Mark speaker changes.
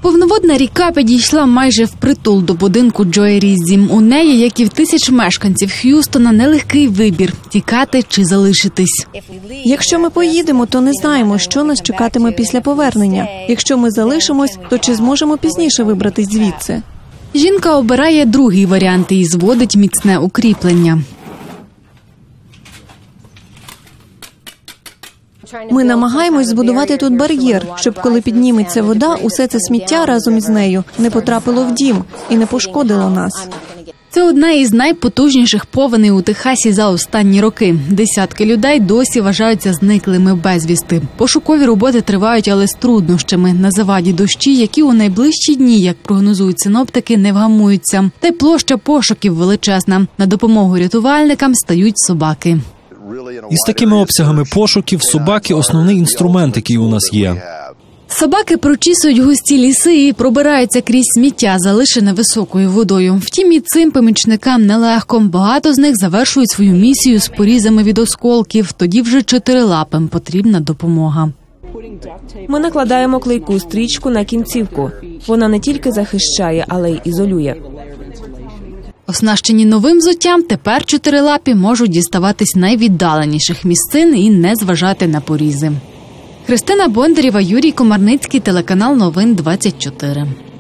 Speaker 1: Повноводна ріка підійшла майже впритул до будинку Джої Різзі. У неї, як і в тисяч мешканців Х'юстона, нелегкий вибір – тікати чи залишитись.
Speaker 2: Якщо ми поїдемо, то не знаємо, що нас чекатиме після повернення. Якщо ми залишимось, то чи зможемо пізніше вибратись звідси?
Speaker 1: Жінка обирає другий варіант і зводить міцне укріплення.
Speaker 2: Ми намагаємось збудувати тут бар'єр, щоб коли підніметься вода, усе це сміття разом із нею не потрапило в дім і не пошкодило нас.
Speaker 1: Це одна із найпотужніших повеней у Техасі за останні роки. Десятки людей досі вважаються зниклими безвісти. Пошукові роботи тривають, але з труднощами. На заваді дощі, які у найближчі дні, як прогнозують синоптики, не вгамуються. Та й площа пошуків величезна. На допомогу рятувальникам стають собаки.
Speaker 3: Із такими обсягами пошуків собаки – основний інструмент, який у нас є.
Speaker 1: Собаки прочісують густі ліси і пробираються крізь сміття, залишене високою водою. Втім, і цим помічникам нелегко. Багато з них завершують свою місію з порізами від осколків. Тоді вже чотирилапим потрібна допомога.
Speaker 4: Ми накладаємо клейку стрічку на кінцівку. Вона не тільки захищає, але й ізолює.
Speaker 1: Оснащені новим взуттям, тепер чотирилапі можуть діставатись найвіддаленіших місцин і не зважати на порізи. Христина Бондарєва, Юрій Комарницький, телеканал Новин 24.